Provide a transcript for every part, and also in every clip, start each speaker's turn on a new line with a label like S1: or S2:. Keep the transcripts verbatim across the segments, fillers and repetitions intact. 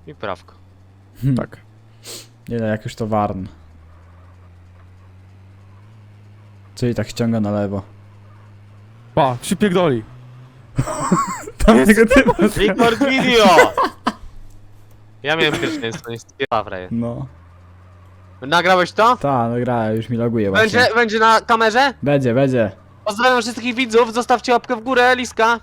S1: I prawko.
S2: Hmm. Tak. Nie no, jak już to Warn. Czyli tak ściąga na lewo.
S3: Pa, przypierdoli.
S2: Tam tego typa.
S1: Record video! Ja miałem pierwszeństwo, nie spiewawre.
S2: No.
S1: Nagrałeś to?
S2: Ta, no gra, już mi loguje właśnie.
S1: Będzie, będzie na kamerze?
S2: Będzie, będzie.
S1: Pozdrawiam wszystkich widzów, zostawcie łapkę w górę, Liska.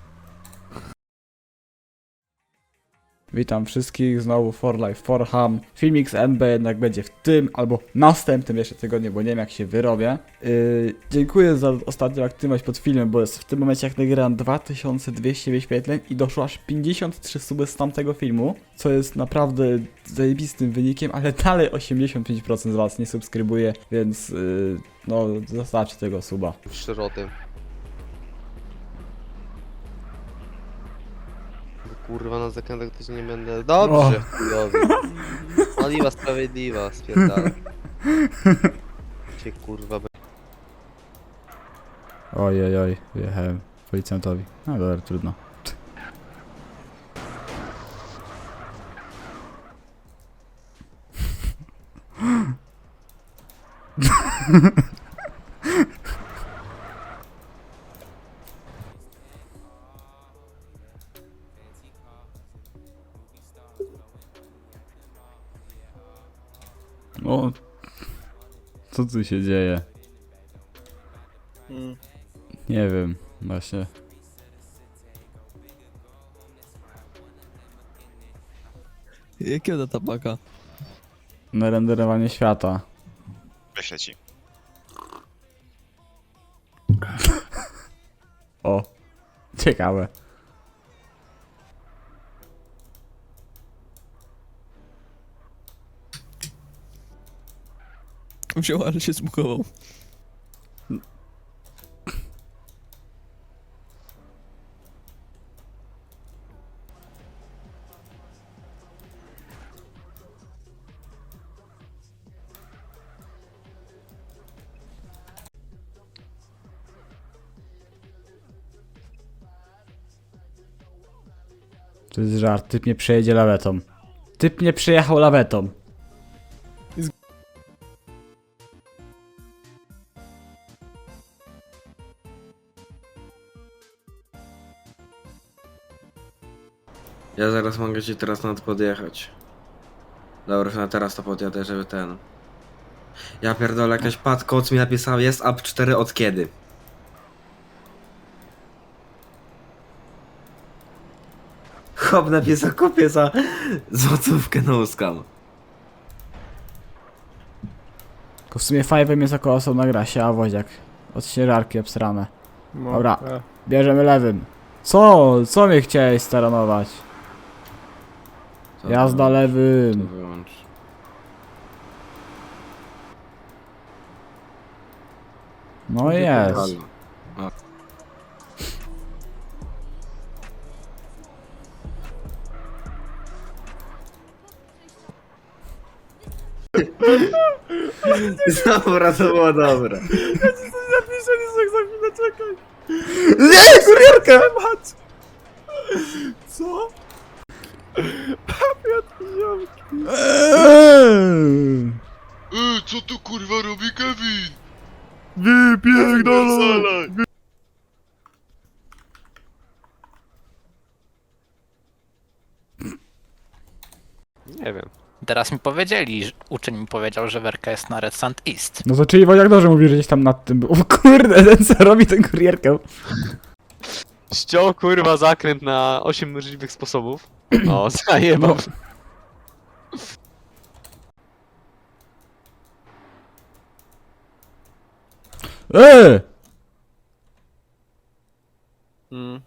S2: Witam wszystkich, znowu For Life For Ham. Filmik z N B jednak będzie w tym albo następnym jeszcze tygodniu, bo nie wiem jak się wyrobię. Yy, dziękuję za ostatnią aktywność pod filmem, bo jest w tym momencie jak nagrałem dwa tysiące dwieście wyświetleń i doszło aż pięćdziesiąt trzy suby z tamtego filmu, co jest naprawdę zajebistym wynikiem, ale dalej osiemdziesiąt pięć procent z was nie subskrybuje, więc yy, no zostawcie tego suba.
S1: Szroty. Kurwa, na zakrętach też nie będę. Dobrze, chujowi. Oliwa sprawiedliwa, spierdala. Cię kurwa be...
S2: Ojej, oj, wyjechałem policjantowi. No dobra, trudno. O, co tu się dzieje?
S3: Hmm.
S2: Nie wiem, właśnie.
S3: Jakiego ta tabaka?
S2: Na renderowanie świata.
S4: Wyślę ci.
S2: O, ciekawe.
S3: Wziął, ale się zbukował.
S2: To jest żart, typ nie przejedzie lawetą. Typ nie przejechał lawetą.
S5: Ja zaraz mogę ci teraz nad podjechać. Dobra, na teraz to podjadę, żeby ten... Ja pierdolę, jakaś pad koc mi napisał, jest up cztery od kiedy? Chłop napisał, kupię za złotówkę na uskam.
S2: Tylko w sumie Five'em jest jako osobna gra, się, a woziak. Od sierarki obsrane.
S3: No,
S2: Dobra.
S3: e.
S2: Bierzemy lewym. Co? Co mnie chciałeś staranować?
S5: To
S2: Jazda
S5: To
S2: lewym.
S5: wyłącz.
S2: No jest.
S5: Halo. Dobra, to było dobre.
S3: Napisali tak za chwilę, czekaj.
S2: Nie, kurierka!
S3: Co? Papier ziomki.
S2: Eee.
S4: Ej, co tu kurwa robi Kevin?
S3: Wypierdolę.
S1: Nie wiem.
S6: Teraz mi powiedzieli, że- uczeń mi powiedział, że werka jest na Red Sand East.
S2: No to czyli woziak dobrze mówi, że gdzieś tam nad tym był. O kurde, ten co robi ten kurierkę.
S1: Ściął kurwa zakręt na osiem możliwych sposobów. O, zajebał.
S2: No. Eee!
S3: Hmm.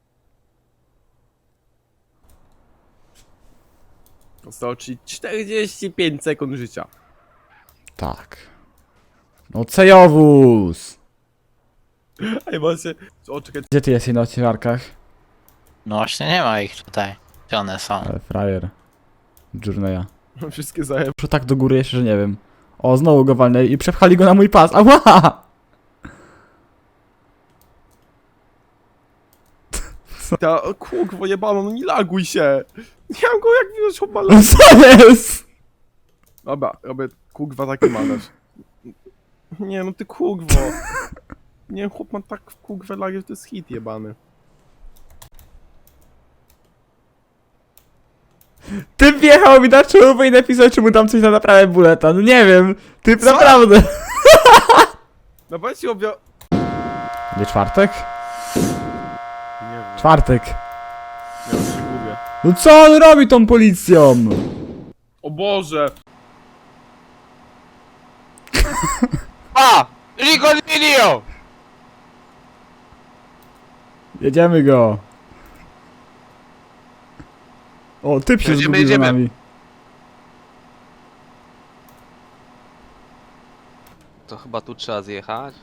S3: Zostało ci czterdzieści pięć sekund życia.
S2: Tak. No cejowóz!
S3: Ej, macie... O, czekaj.
S2: Gdzie ty jesteś na odcinarkach?
S6: No właśnie nie ma ich tutaj. Gdzie one są?
S2: Ale frajer. Journeya.
S3: Mam wszystkie zajeb...
S2: Muszę tak do góry jeszcze, że nie wiem. O, znowu go walnęli i przepchali go na mój pas. Ała!
S3: Ta kurwa jebana, no nie laguj się. Nie mam go jak widać chłopala.
S2: Co jest?
S3: Dobra, robię kurwa taki manewr. Nie no ty kurwo. Nie chłop ma tak kurwę lagi, że to jest hit jebany.
S2: Ty wjechał mi na czołówę i napisał, czy mu tam coś na naprawę buleta. No nie wiem. Ty
S3: Co?
S2: naprawdę.
S3: No powiedz ci obio...
S2: Nie czwartek?
S3: Nie wiem,
S2: Czwartek.
S3: ja już się gubię.
S2: No co on robi tą policją?
S3: O Boże!
S6: A! Rico Video!
S2: Jedziemy go. O, typ się
S6: Jedziemy,
S2: zgubił za
S6: jedziemy.
S2: nami.
S1: To chyba tu trzeba zjechać.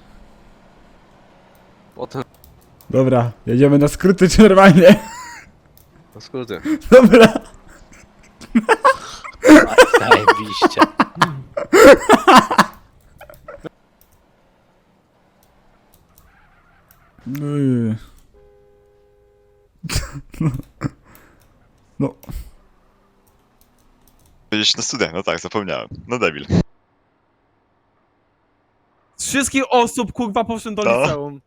S1: Potem
S2: Dobra, jedziemy na skróty czy normalnie?
S1: na skróty.
S2: Dobra.
S6: Zajebiście.
S2: Yy. No.
S4: Jedziesz na studia, no tak, zapomniałem. No debil.
S3: Z wszystkich osób kurwa poszedłem do
S4: To?
S3: liceum.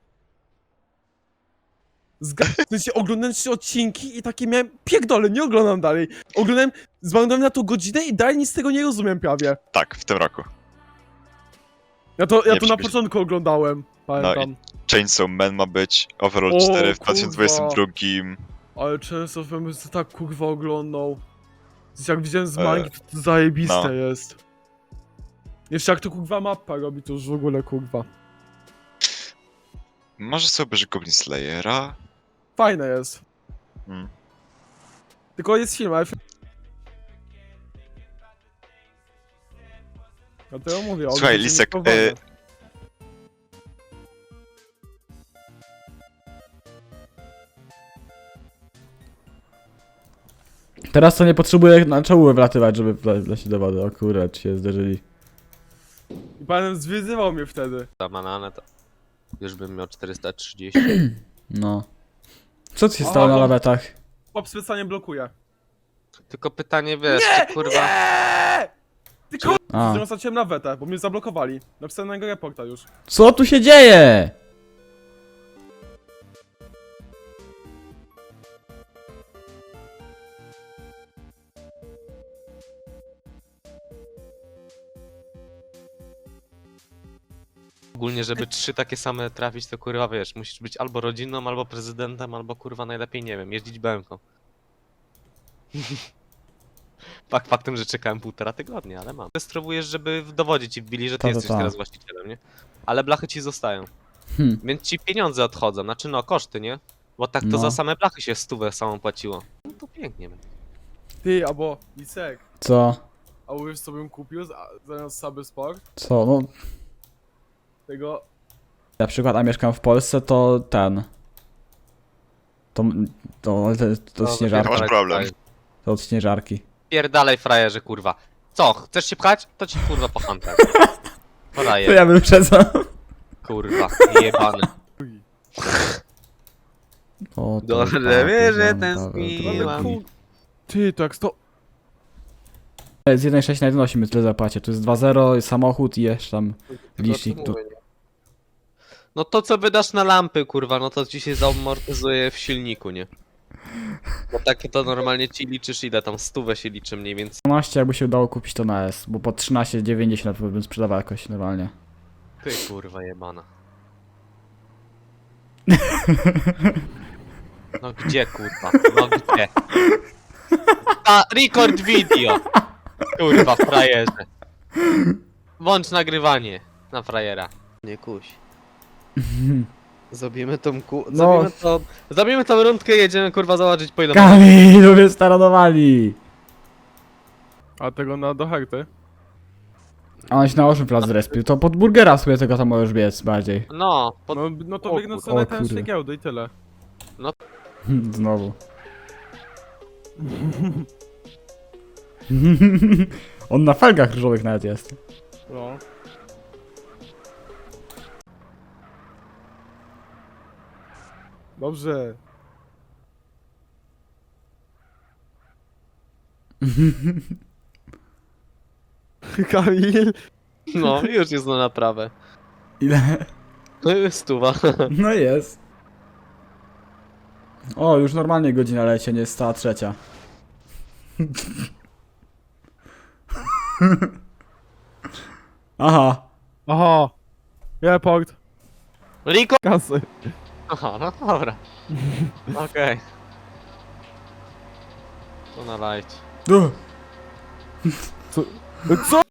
S3: Zga... W sensie oglądałem trzy odcinki i takie miałem... Pierdolę, nie oglądam dalej. Oglądałem, zmarnowałem na to godzinę i dalej nic z tego nie rozumiem prawie.
S4: Tak, w tym roku.
S3: Ja to, ja
S4: Nie
S3: to na
S4: przybyś-
S3: początku oglądałem, pamiętam.
S4: Chainsaw Man ma być, Overall
S3: O,
S4: cztery w
S3: kurwa.
S4: dwa tysiące dwudziestym drugim.
S3: Ale często bym to tak kurwa oglądał. Zresztą jak widziałem z
S4: E,
S3: mangi, to, to zajebiste
S4: no.
S3: jest. Jeszcze jak to kurwa mapa robi, to już w ogóle kurwa.
S4: Może sobie obejrzeć Goblin Slayera?
S3: Fajne jest.
S4: Hmm.
S3: Tylko jest film, ale film... Dlatego mówię,
S4: Słuchaj,
S3: oglądam
S4: Lisek,
S3: filmy
S4: e,
S3: powolne.
S2: Teraz to nie potrzebuję na czołówę wlatywać, żeby wle- wlecieć do wody. O kurde, czy się zderzyli.
S3: I panem zwyzywał mnie wtedy.
S1: Za bananę to już bym miał czterysta trzydzieści.
S2: No. Co ci się
S3: Aha,
S2: stało na
S3: bo-
S2: lawetach?
S3: Chłop specjalnie blokuje.
S1: Tylko pytanie wiesz,
S3: Nie!
S1: czy kurwa.
S3: Nie! Ty kurwa!
S2: A.
S3: Zresztą straciłem na wetę, bo mnie zablokowali. Napisałem na niego reporta już.
S2: Co tu się dzieje?
S1: Ogólnie, żeby trzy takie same trafić, to kurwa wiesz, musisz być albo rodzinną, albo prezydentem, albo kurwa najlepiej, nie wiem, jeździć B M K. Fakt faktem, że czekałem półtora tygodnia, ale mam. Spróbujesz, żeby w dowodzie ci wbili, że ty
S2: Ta, ta,
S1: jesteś
S2: ta.
S1: teraz właścicielem, nie? Ale blachy ci zostają.
S2: Hm.
S1: Więc ci pieniądze odchodzą, znaczy no koszty, nie? Bo tak to
S2: No.
S1: za same blachy się stówę samą płaciło. No to pięknie.
S3: Ty, albo Lisek.
S2: Co?
S3: A wiesz co bym kupił za- zamiast Saby Sport?
S2: Co? No,
S3: Tego...
S2: na przykład, a mieszkam w Polsce, to ten. To, to, to, to
S1: No,
S2: śnieżarka.
S4: masz problem.
S2: To od śnieżarki.
S1: Pierdalej frajerze, kurwa. Co, chcesz się pchać? To ci kurwa pochantę.
S2: To
S1: Frajer,
S2: ja wyprzedzam.
S1: kurwa, jebany.
S2: O, to
S1: Dobrze
S2: tak,
S1: wie, że
S2: dobra,
S1: tęskniłam.
S2: dobra,
S3: Ale
S2: dobra.
S3: kur... Ty, to jak sto...
S2: Z jeden sześć na jeden osiem tyle zapłacie. Tu jest dwa zero, samochód i jeszcze tam licznik. Tu...
S1: No to co wydasz na lampy, kurwa, no to ci się zamortyzuje w silniku, nie? Bo takie to normalnie ci liczysz ile tam, stówę się liczy mniej więcej.
S2: dwanaście jakby się udało kupić to na S, bo po trzynaście dziewięćdziesiąt bym sprzedawał jakoś normalnie.
S1: Ty kurwa jebana. No gdzie kurwa, no gdzie? A, record video! Kurwa, frajerze. Włącz nagrywanie na frajera. Nie kuś. Zrobimy tą ku...
S2: No.
S1: Zrobimy to... Zrobimy tą rundkę i jedziemy kurwa zobaczyć po ile...
S2: Kamilu mnie staranowali!
S3: A tego na do herty?
S2: A on się na ośmiu plac zrespił, to pod burgera sobie tego tam możesz biec bardziej.
S1: No, pod...
S3: No, no to
S1: O
S3: biegnę
S1: kur-
S3: sobie na
S2: o
S3: ten
S2: kurde.
S3: giełdy i tyle.
S2: Znowu. On na felgach różowych nawet jest.
S3: No. Dobrze. Kamil,
S1: No, już jest na naprawę.
S2: Ile?
S1: No jest stuwa.
S2: No jest. O, już normalnie godzina leci, nie jest stała trzecia. Aha.
S3: aha, report,
S1: Riko!
S3: kasy.
S1: Aha, no dobra. Okej. To na light.
S2: Duh.
S3: Co?